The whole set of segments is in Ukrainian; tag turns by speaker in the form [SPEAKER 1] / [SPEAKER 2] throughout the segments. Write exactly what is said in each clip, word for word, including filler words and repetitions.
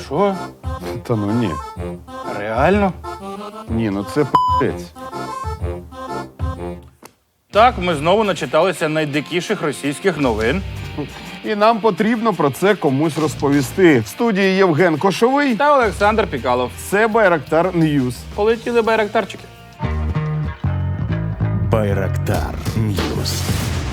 [SPEAKER 1] Що?
[SPEAKER 2] Та ну ні.
[SPEAKER 1] Реально?
[SPEAKER 2] Ні, ну це п***ець.
[SPEAKER 1] Так, ми знову начиталися найдикіших російських новин.
[SPEAKER 2] І нам потрібно про це комусь розповісти. В студії Євген Кошовий.
[SPEAKER 1] Та Олександр Пікалов.
[SPEAKER 2] Це Байрактар Ньюс.
[SPEAKER 1] Полетіли байрактарчики.
[SPEAKER 3] Байрактар Ньюс.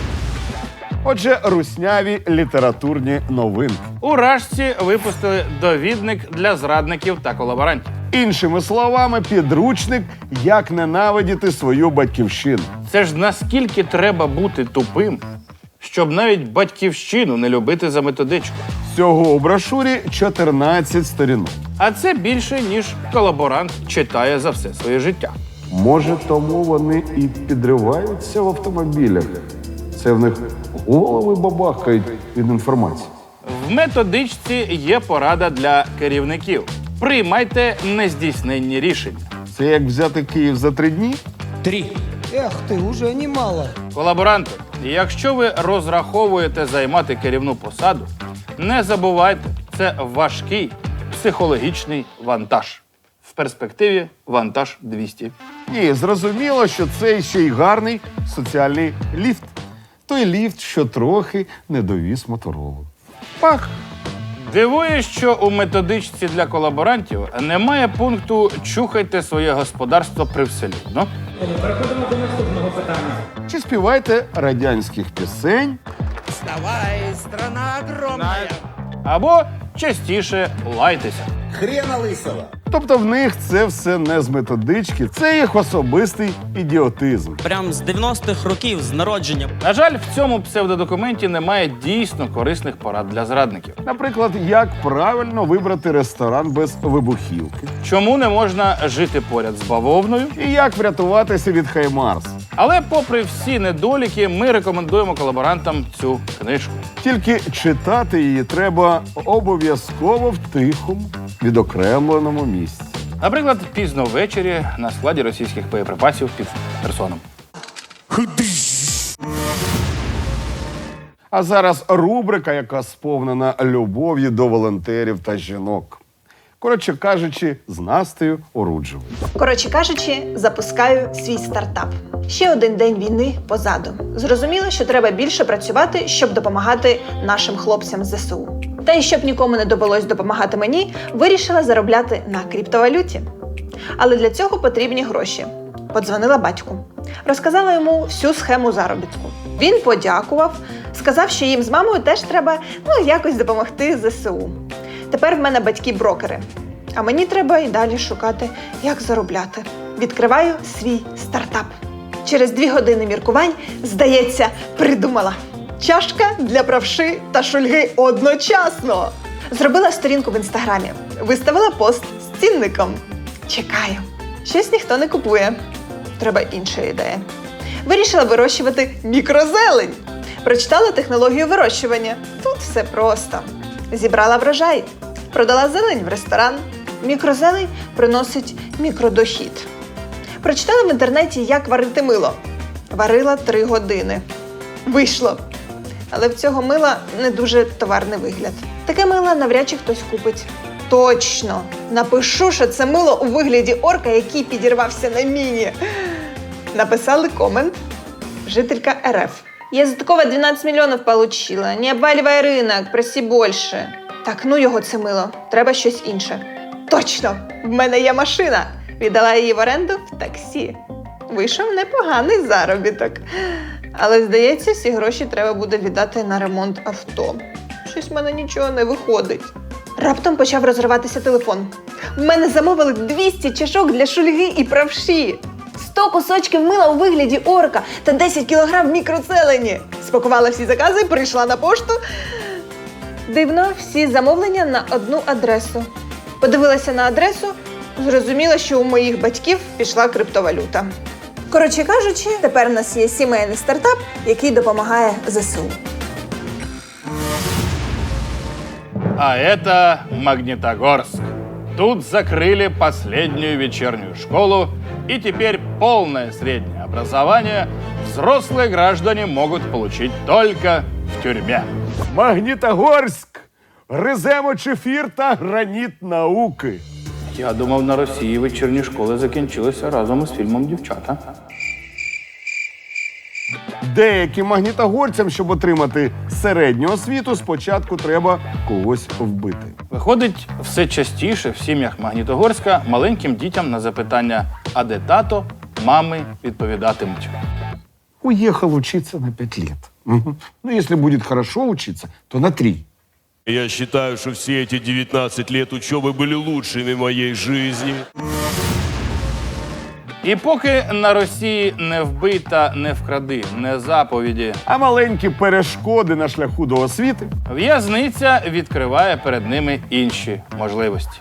[SPEAKER 2] Отже, русняві літературні новинки.
[SPEAKER 1] У Рашці випустили довідник для зрадників та колаборантів.
[SPEAKER 2] Іншими словами, підручник «Як ненавидіти свою батьківщину».
[SPEAKER 1] Це ж наскільки треба бути тупим, щоб навіть батьківщину не любити за методичку.
[SPEAKER 2] Всього у брошурі чотирнадцять сторінок.
[SPEAKER 1] А це більше, ніж колаборант читає за все своє життя.
[SPEAKER 2] Може, тому вони і підриваються в автомобілях. Це в них голови бабахкають від інформації.
[SPEAKER 1] В методичці є порада для керівників. Приймайте нездійсненні рішення.
[SPEAKER 2] Це як взяти Київ за три дні?
[SPEAKER 4] Три. Эх ты, уже немало.
[SPEAKER 1] Колаборанти, якщо ви розраховуєте займати керівну посаду, не забувайте, це важкий психологічний вантаж. В перспективі вантаж двісті.
[SPEAKER 2] Ні, зрозуміло, що це ще й гарний соціальний ліфт. Той ліфт, що трохи не довіз Моторолу.
[SPEAKER 1] Пах! Дивує, що у методичці для колаборантів немає пункту «Чухайте своє господарство привселюдно».
[SPEAKER 5] Переходимо до наступного питання.
[SPEAKER 2] Чи співайте радянських пісень?
[SPEAKER 4] Вставай, страна огромная.
[SPEAKER 1] Або частіше лайтеся.
[SPEAKER 2] Тобто в них це все не з методички, це їх особистий ідіотизм.
[SPEAKER 6] Прям з дев'яностих років, з народження.
[SPEAKER 1] На жаль, в цьому псевдодокументі немає дійсно корисних порад для зрадників.
[SPEAKER 2] Наприклад, як правильно вибрати ресторан без вибухівки.
[SPEAKER 1] Чому не можна жити поряд з бавовною?
[SPEAKER 2] І як врятуватися від Хаймарс.
[SPEAKER 1] Але попри всі недоліки, ми рекомендуємо колаборантам цю книжку.
[SPEAKER 2] Тільки читати її треба обов'язково в тихому, відокремленому місці.
[SPEAKER 1] Наприклад, пізно ввечері на складі російських боєприпасів під Херсоном.
[SPEAKER 2] А зараз рубрика, яка сповнена любов'ю до волонтерів та жінок. Коротше кажучи, з Настею Оруджевою.
[SPEAKER 7] Коротше кажучи, запускаю свій стартап. Ще один день війни позаду. Зрозуміло, що треба більше працювати, щоб допомагати нашим хлопцям з ЗСУ. Та й щоб нікому не довелось допомагати мені, вирішила заробляти на криптовалюті. Але для цього потрібні гроші. Подзвонила батьку. Розказала йому всю схему заробітку. Він подякував, сказав, що їм з мамою теж треба ну, якось допомогти ЗСУ. Тепер в мене батьки-брокери. А мені треба і далі шукати, як заробляти. Відкриваю свій стартап. Через дві години міркувань, здається, придумала. Чашка для правши та шульги одночасно. Зробила сторінку в інстаграмі. Виставила пост з цінником. Чекаю. Щось ніхто не купує. Треба інша ідея. Вирішила вирощувати мікрозелень. Прочитала технологію вирощування. Тут все просто. Зібрала врожай. Продала зелень в ресторан. Мікрозелень приносить мікродохід. Прочитала в інтернеті, як варити мило. Варила три години. Вийшло. Але в цього мила не дуже товарний вигляд. Таке мило навряд чи хтось купить. Точно! Напишу, що це мило у вигляді орка, який підірвався на міні. Написали комент. Жителька РФ. Я за такого дванадцять мільйонів получила. Не обваливай ринок, проси більше. Так, ну його це мило. Треба щось інше. Точно! В мене є машина. Віддала її в оренду в таксі. Вийшов непоганий заробіток. Але, здається, всі гроші треба буде віддати на ремонт авто. Щось в мене нічого не виходить. Раптом почав розриватися телефон. В мене замовили двісті чашок для шульги і правші. сто кусочків мила у вигляді орка та десять кілограм мікроцелені. Спакувала всі закази, прийшла на пошту. Дивно, всі замовлення на одну адресу. Подивилася на адресу, зрозуміла, що у моїх батьків пішла криптовалюта. Коротше кажучи, тепер у нас є сімейний стартап, який допомагає ЗСУ.
[SPEAKER 1] А это Магнитогорск. Тут закрыли последнюю вечернюю школу, и теперь полное среднее образование взрослые граждане могут получить только в тюрьме.
[SPEAKER 2] Магнітогорськ! Гриземо чефір та граніт науки.
[SPEAKER 1] Я думав, на Росії вечірні школи закінчилися разом із фільмом «Дівчата».
[SPEAKER 2] Деяким магнітогорцям, щоб отримати середню освіту, спочатку треба когось вбити.
[SPEAKER 1] Виходить, все частіше в сім'ях Магнітогорська маленьким дітям на запитання «А де тато?» мами відповідатимуть.
[SPEAKER 2] Уехал учиться на пять лет. Мгм. Ну, если будет хорошо учиться, то на три.
[SPEAKER 8] Я считаю, что все эти девятнадцать лет учебы были лучшими в моей жизни.
[SPEAKER 1] І поки на Росії не вбий та не вкради, не заповіді,
[SPEAKER 2] А маленькі перешкоди на шляху до освіти
[SPEAKER 1] в'язниця відкриває перед ними інші можливості.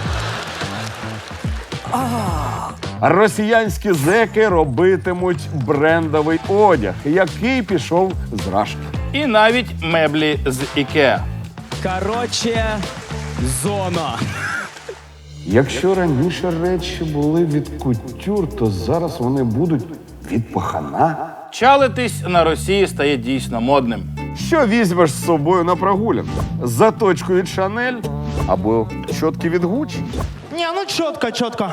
[SPEAKER 2] росіянські зеки робитимуть брендовий одяг, який пішов з Рашки.
[SPEAKER 1] І навіть меблі з Ікеа.
[SPEAKER 6] Короче, зона.
[SPEAKER 2] Якщо раніше речі були від кутюр, то зараз вони будуть від пахана.
[SPEAKER 1] Чалитись на Росії стає дійсно модним.
[SPEAKER 2] Що візьмеш з собою на прогулянку? Заточку від Шанель або щотки від Гуччі?
[SPEAKER 9] Не, ну чітко, чітко.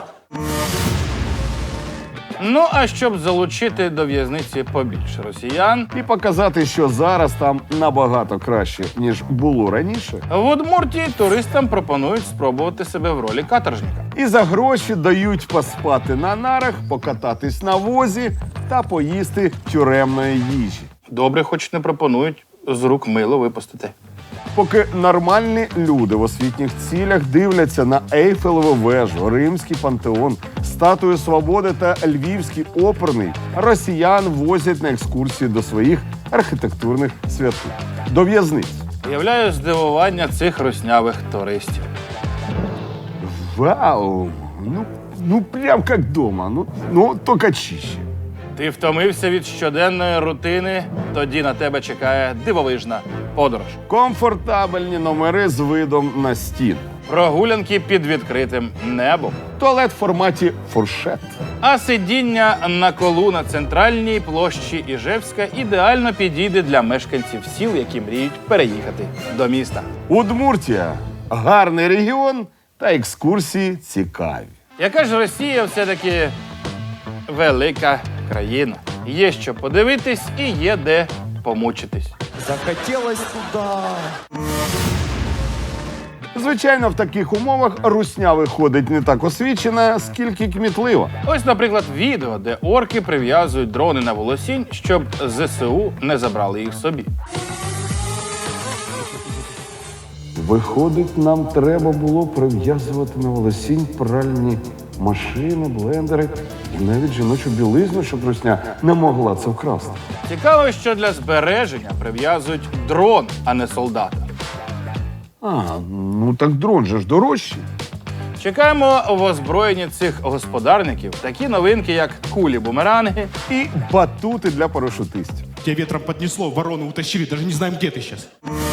[SPEAKER 1] Ну, а щоб залучити до в'язниці побільше росіян,
[SPEAKER 2] І показати, що зараз там набагато краще, ніж було раніше.
[SPEAKER 1] в Удмуртії туристам пропонують спробувати себе в ролі каторжника.
[SPEAKER 2] І за гроші дають поспати на нарах, покататись на возі та поїсти тюремної їжі.
[SPEAKER 1] Добре, хоч не пропонують з рук мило випустити.
[SPEAKER 2] Поки нормальні люди в освітніх цілях дивляться на Ейфелеву вежу, Римський пантеон, Статую Свободи та Львівський оперний, росіян возять на екскурсії до своїх архітектурних святих – до в'язниць.
[SPEAKER 1] Уявляю здивування цих руснявих туристів.
[SPEAKER 2] Вау! Ну, ну прям як дома, ну, ну тільки чище.
[SPEAKER 1] Ти втомився від щоденної рутини, тоді на тебе чекає дивовижна подорож.
[SPEAKER 2] Комфортабельні номери з видом на стіну.
[SPEAKER 1] Прогулянки під відкритим небом.
[SPEAKER 2] Туалет в форматі фуршет.
[SPEAKER 1] А сидіння на колу на центральній площі Іжевська ідеально підійде для мешканців сіл, які мріють переїхати до міста.
[SPEAKER 2] Удмуртія – гарний регіон та екскурсії цікаві.
[SPEAKER 1] Яка ж Росія все-таки велика країна. Є що подивитись і є де помучитись.
[SPEAKER 9] Захотелось туда.
[SPEAKER 2] Звичайно, в таких умовах русня виходить не так освічена, скільки кмітлива.
[SPEAKER 1] Ось, наприклад, відео, де орки прив'язують дрони на волосінь, щоб ЗСУ не забрали їх собі.
[SPEAKER 2] Виходить, нам треба було прив'язувати на волосінь пральні машини, блендери і навіть жіночу білизну, щоб русня не могла це вкрасти.
[SPEAKER 1] Цікаво, що для збереження прив'язують дрон, а не солдата.
[SPEAKER 2] А, ну так дрон же ж дорожчий.
[SPEAKER 1] Чекаємо в озброєнні цих господарників такі новинки, як кулі-бумеранги,
[SPEAKER 2] І батути для парашутистів.
[SPEAKER 10] Тебя ветром поднесло, ворону утащили, даже не знаем, где ты сейчас.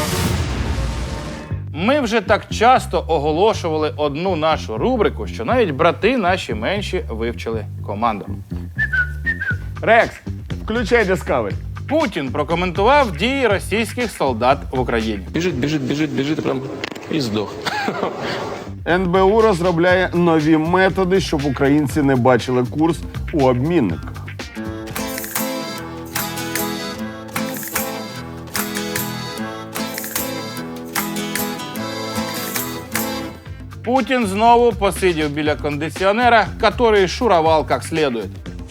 [SPEAKER 1] Ми вже так часто оголошували одну нашу рубрику, що навіть брати наші менші вивчили команду.
[SPEAKER 2] Рекс, включай Discovery.
[SPEAKER 1] Путін прокоментував дії російських солдат в Україні.
[SPEAKER 11] Біжить, біжить, біжить, біжить, і прям і здох.
[SPEAKER 2] ен бе у розробляє нові методи, щоб українці не бачили курс у обмінниках.
[SPEAKER 1] Путін знову посидів біля кондиціонера, який шуровал як слідує.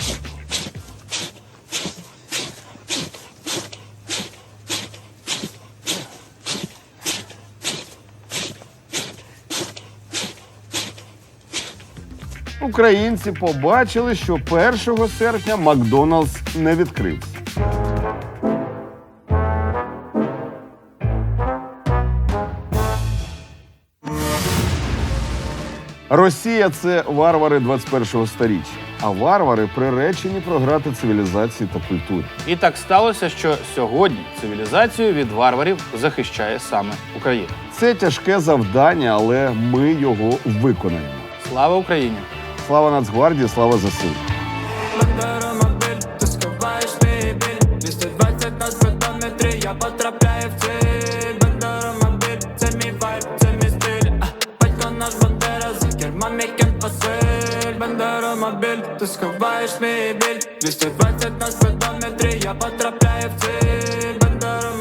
[SPEAKER 2] Українці побачили, що першого серпня Макдоналдс не відкрився. Росія – це варвари двадцять першого сторіччя, а варвари приречені програти цивілізації та культурі.
[SPEAKER 1] І так сталося, що сьогодні цивілізацію від варварів захищає саме Україна.
[SPEAKER 2] Це тяжке завдання, але ми його виконаємо.
[SPEAKER 1] Слава Україні!
[SPEAKER 2] Слава Нацгвардії, слава зе се у!
[SPEAKER 12] двісті двадцять на спидометрі, я потрапляю в ціль. Бандера мобіль, це мій Василь, бандеромобіль, ти сховаєш мій біль. двісті двадцять на спидометрі, я потрапляю в ціль. Бандеромобіль.